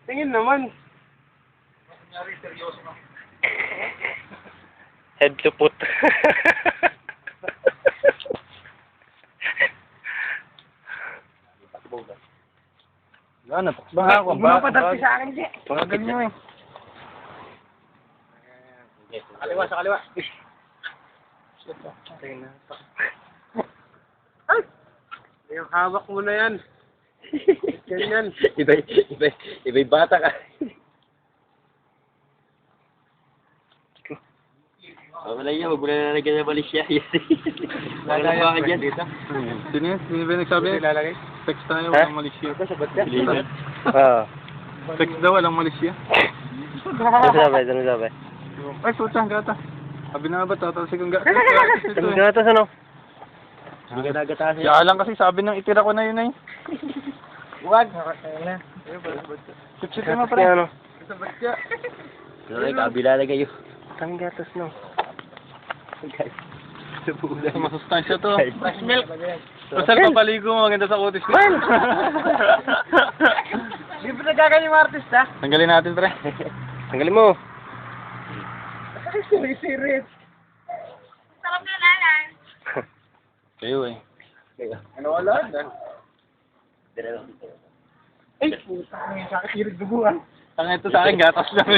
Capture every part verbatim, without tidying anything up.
Tingin naman. Kunyari, seryoso na. Head to foot. Wala na, baka ako. Huwag mo na padagti sa akin, Jay. Pagagal nyo eh. Sa kaliwa, sa kaliwa. Ay! Yung hawak mo na yan. Ganyan. Iba'y, iba'y, iba'y bata ka. Oh, wala yan, huwag mo na nalagyan ng balis siya. Wala ba ka dyan? Sino yun? Sino ba yung nagsabi? Ilalagay? Sex tayo, Ha? walang Malaysia. Oo. Sex daw, walang Malaysia. Ano sabi? Ano sabi? Ay, putang gata. Sabi na nga ba, tatalsik ang gata. Ang gatas ano? Hindi ka nagatasin. Si Alang kasi sabi nang itira ko na yun ay. Huwag. Sip-sip mo pa rin. Ano? Sa batya. Ay, kabila na kayo. Ang gatas no. Sa masustansya to. Fresh milk. Pasal papaligo mo, maganda sa kutis ko. Di ba nagkaganyan yung artist ha? Tanggalin natin, pre. Tanggalin mo. Siri-sirit. Sarap na lalang. Kayo eh. Ano wala na? Ay, puta. Ang sakit hirig duguan. Tanga ito sa akin, gatas lang.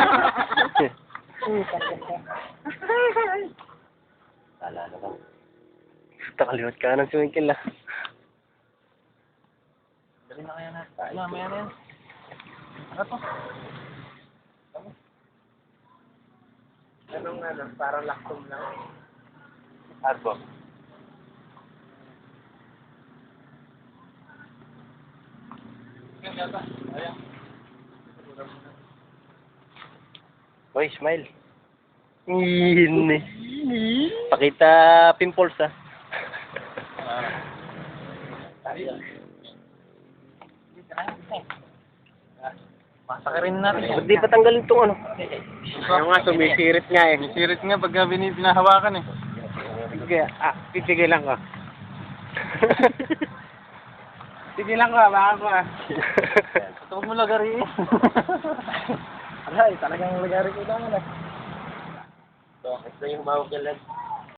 Wala na lang. Takaliwat ka ng swingkill ah. Dali na kaya natin. Mamaya na yan. Ano to? Anong ano, parang laktom lang. Arbo. Hoy, smile. Ini. Pakita pimples ah. Pasakarin natin yan. Ba't di pa tanggalin itong ano? Ano nga, sumisirit nga eh. Sirit nga pagka bini- pinahawakan eh. Sige, ah, titigil lang ko. Sige lang ko, baka ko ah. Ito mo lagari eh. Aray, talagang lagari ko lang ah. Ito yung humawag yan lang.